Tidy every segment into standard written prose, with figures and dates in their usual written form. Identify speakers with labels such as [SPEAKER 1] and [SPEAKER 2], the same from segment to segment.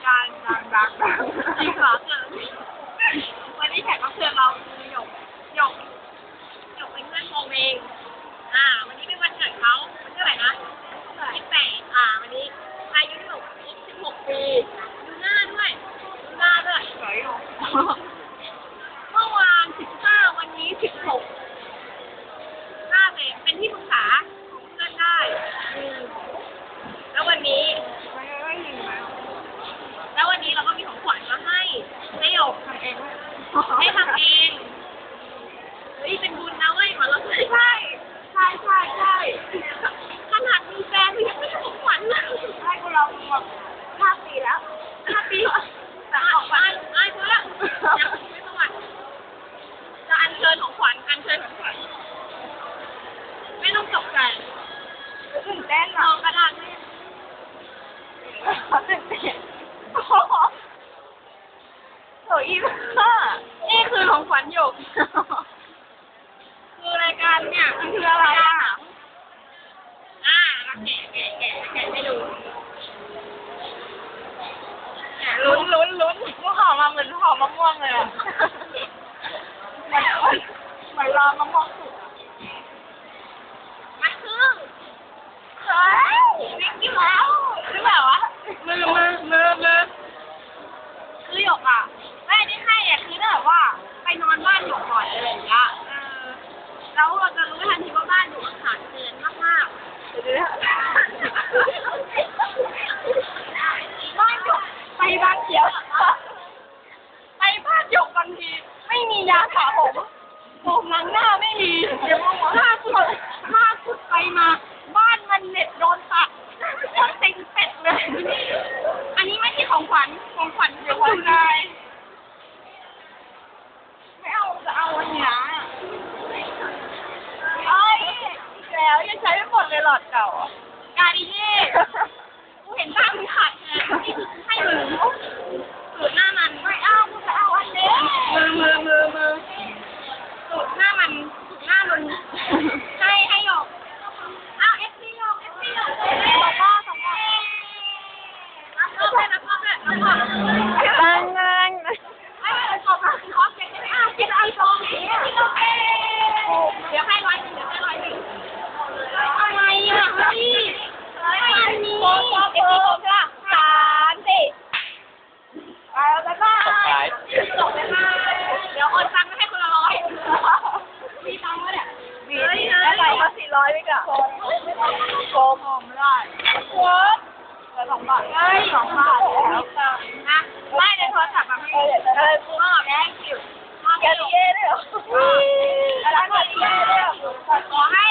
[SPEAKER 1] การดังจริงเหรอเกินวันนี้แขกรับเชิญเราคือหยกเป็นเพื่อนโมเองวันนี้เป็นวันเกิดเขาวันเท่าไหร่นะ28วันนี้อายุ16 ปีดูหน้าด้วยสวยอยู่เมื่อวาน15วันนี้16น่าเป็นที่ปรึกษาของเพื่อนได้แล้ววันนี้เราก็มีของขวัญมาให้หยกทำเองเฮ้ยเป็นบุญนะเว้ยมาเราใช่ขนาดมีแฟนยังไม่ได้ของขวัญเลยให้กูลองแบบ5 ปีแล้วแต่ออกบ้านเพื่อยังไม่ประวัติจะอัญเชิญของขวัญไม่ต้องตกใจตื่นเต้นลองกระดาษให้ตื่นเต้นโอ้ยนี่คือของขวัญหยกคือรายการเนี่ยมันคืออะไรแกะให้ดูลุ้นมันหอมมาเหมือนหอมมะม่วงเลยอ่ะมันรอมะม่วงสุกมันคือเฮ้ยวิ่งกินแล้วหรือเปล่าวะมือคือหยกอ่ะแม่ที่ให้เนี่ยคือแบบว่าไปนอนบ้านหยกก่อนอะไรอย่างเงี้ยแล้วเราจะรู้ทันทีว่าบ้านหยกขาดเกินมากบ้านหยกไปบ้านเขียวไปบ้านหยกบางทีไม่มียาสระผมล้างหน้าไม่มีเดี๋ยวถ้าสุดไปมาบ้านมันเน็ตโดนตัดเต็งเป็ดเลยอันนี้ไม่ใช่ของขวัญเดี๋ยวคุณนายไม่เอาจะเอาอันนี้แล้วยังใช้ไม่หมดเลยหลอดเก่าการดีเย่กูเห็นบ้างมึงขาดแคลนนี่คือให้มึงสูตรหน้ามันไม่เอากูจะเอาอันนี้มือสูตรหน้ามึงให้หยกอ้าวFC หยก2 ข้อรับเลยตั้งงานไม่ขอบเก็บไม่เอากินไอโฟนเดี๋ยวให้100อะไรอ่ะพี่อันนี้เอฟซีผมใช่ป่ะ3 4ไปแล้วบ๊ายบายจบเลยค่ะเดี๋ยวโอนตังค์ให้คนละ100มีตังค์ไหมเนี่ยมีแล้วเราก็400ไปก่อนโกงไม่ได้โค้ด2 บาท2 บาทแล้วนะไม่ในโทรศัพท์แบบให้มอบแดงคิวมอบแกลีเย่ด้วยเหรอแล้วก็ลีเย่ด้วยขอให้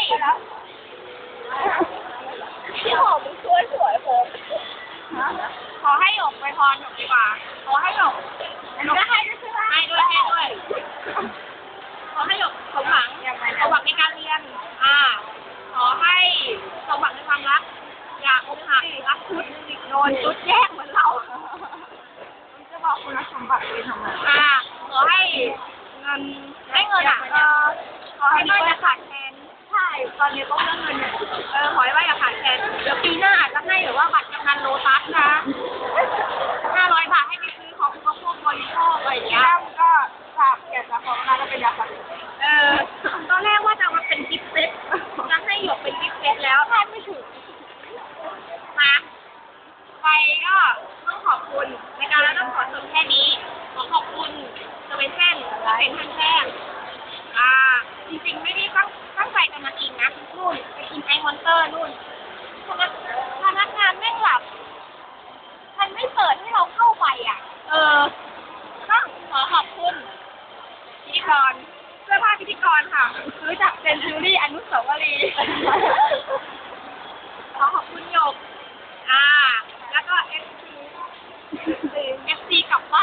[SPEAKER 1] พี่หอมมึงสวยผมขอให้หยกไปพรหยกดีกว่าขอให้หยกจะให้ด้วยใช่ไหมให้ด้วยขอให้หยกสมหวังในการเรียนขอให้สมหวังในความรักอย่าอกหักรักชุดโดนชุดแยกเหมือนเราจะบอกคุณสมบัติไปทำไมขอให้เงินขอให้ไม่จะขาดแคลนใช่ตอนนี้ก็เรื่องเงินขอให้ว่าอย่าขาดแคลนเดี๋ยวปีหน้าอาจจะให้หรือว่าบัตรกำนันโลตัสนะ500 บาทให้ไปซื้อของพวกบริโภคอะไรอย่างเงี้ยก็อยากจะขอมาก็เป็นยาสักตอนแรกว่าจะมาเป็นกิฟต์เซตจะให้หยกเป็นกิฟต์เซตแล้วคาดไม่ถึงมาไปก็ต้องขอบคุณในการแล้วต้องขอจบแค่นี้ขอบคุณเซเว่นเส้นเป็นท่านแรกจริงๆไม่ได้ตั้งใจจะมากินนะนู่นไปกินไอมอนเตอร์นู่นพนักงานแม่งหลับมันไม่เปิดให้เราเข้าไปต้องขอบคุณพิธีกรเสื้อผ้าพิธีกรค่ะซื้อจากเซนจูรี่อนุสาวรีย์ขอบคุณหยกแล้วก็ FC กลับบ้าน